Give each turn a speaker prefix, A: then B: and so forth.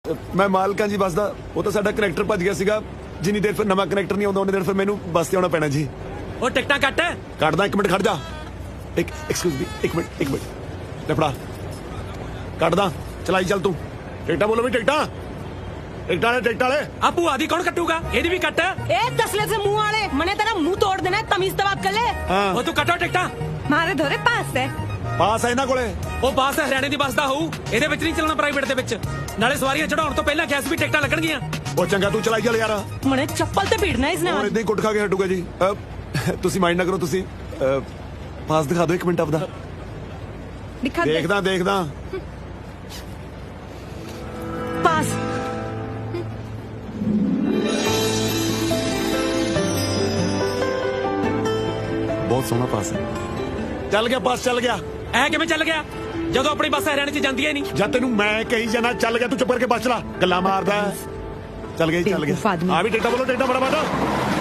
A: ਮੈਂ ਮਾਲਕਾਂ ਜੀ ਬੱਸ ਦਾ ਉਹ ਤਾਂ ਸਾਡਾ ਕਨੈਕਟਰ ਭੱਜ ਗਿਆ ਸੀਗਾ। ਜਿੰਨੀ ਦੇਰ ਫਿਰ ਨਵਾਂ ਕਨੈਕਟਰ ਨਹੀਂ ਆਉਂਦਾ ਉਹਨੀ ਦੇਰ ਫਿਰ ਮੈਨੂੰ ਬੱਸ ਤੇ ਆਉਣਾ ਪੈਣਾ ਜੀ।
B: ਉਹ ਟਿਕਟਾਂ ਕੱਟ।
A: ਕੱਟਦਾ, ਇੱਕ ਮਿੰਟ ਖੜ ਜਾ। ਐਕਸਕਿਊਜ਼ ਮੀ, ਇੱਕ ਮਿੰਟ ਲੈ ਫੜਾ। ਕੱਟਦਾ, ਚਲਾਈ ਚੱਲ ਤੂੰ। ਟਿਕਟਾਂ ਬੋਲੋ ਵੀ ਟਿਕਟਾਂ ਵਾਲੇ
B: ਆ ਭੂਆ ਦੀ ਕੌਣ ਕੱਟੂਗਾ? ਇਹਦੀ ਵੀ ਕੱਟ।
C: ए तसले से मुंह वाले मने तेरा मुंह तोड़ देना है, तमीज से बात कर ले।
B: ਉਹ ਤੂੰ ਕੱਟੋ ਟਿਕਟਾਂ।
C: मारे धोरे पास है।
A: ਪਾਸ ਹੈ ਇਹਨਾਂ ਕੋਲੇ।
B: ਉਹ ਬੱਸ ਹਰਿਆਣੇ ਦੀ ਬੱਸ ਦਾ ਹੋਊ, ਇਹਦੇ ਵਿੱਚ ਨਹੀਂ ਚੱਲਣਾ ਪ੍ਰਾਈਵੇਟ ਦੇ ਵਿੱਚ। ਨਾਲੇ ਸਵਾਰੀਆਂ ਚੜਾਉਣ ਤੋਂ ਪਹਿਲਾਂ ਗੈਸ ਵੀ ਟਿਕਟਾਂ ਲੱਗਣਗੀਆਂ।
A: ਉਹ ਚੰਗਾ ਤੂੰ ਚਲਾਈ ਚੱਲ ਯਾਰ।
C: मने चप्पल ते पीटना है इसने
A: ਹੋਰ
C: आज।
A: ਇਦਾਂ ਹੀ ਕੁੱਟ ਖਾ ਕੇ ਹਟੂਗਾ ਜੀ। ਤੁਸੀਂ ਮਾਈਂਡ ਨਾ ਕਰੋ। ਤੁਸੀਂ ਪਾਸ ਦਿਖਾ ਦਿਓ ਇੱਕ ਮਿੰਟ ਆਪਦਾ।
C: दिखा दे
A: ਦੇਖਦਾ
C: पास।
A: ਬਹੁਤ ਸੋਹਣਾ ਪਾਸ ਹੈ। ਚੱਲ ਗਿਆ ਪਾਸ, ਚੱਲ ਗਿਆ।
B: ਐ ਕਿਵੇਂ ਚੱਲ ਗਿਆ ਜਦੋਂ ਆਪਣੀ ਬੱਸ ਹਰਿਆਣੇ 'ਚ ਜਾਂਦੀ ਹੀ ਨਹੀਂ?
A: ਜਦ ਤੈਨੂੰ ਮੈਂ ਕਹੀ ਜਾਣਾ ਚੱਲ ਗਿਆ, ਤੂੰ ਚੁੱਪ ਕਰਕੇ ਬੱਸ ਚਲਾ। ਗੱਲਾਂ ਮਾਰਦਾ। ਚੱਲ ਗਿਆ ਜੀ, ਚੱਲ
C: बेवकूफ
A: ਗਿਆ।
C: आदमी।
A: ਆ ਵੀ ਟਿਕਟਾਂ ਬੋਲੋ, ਟਿਕਟਾਂ ਫਟਾਫਟ।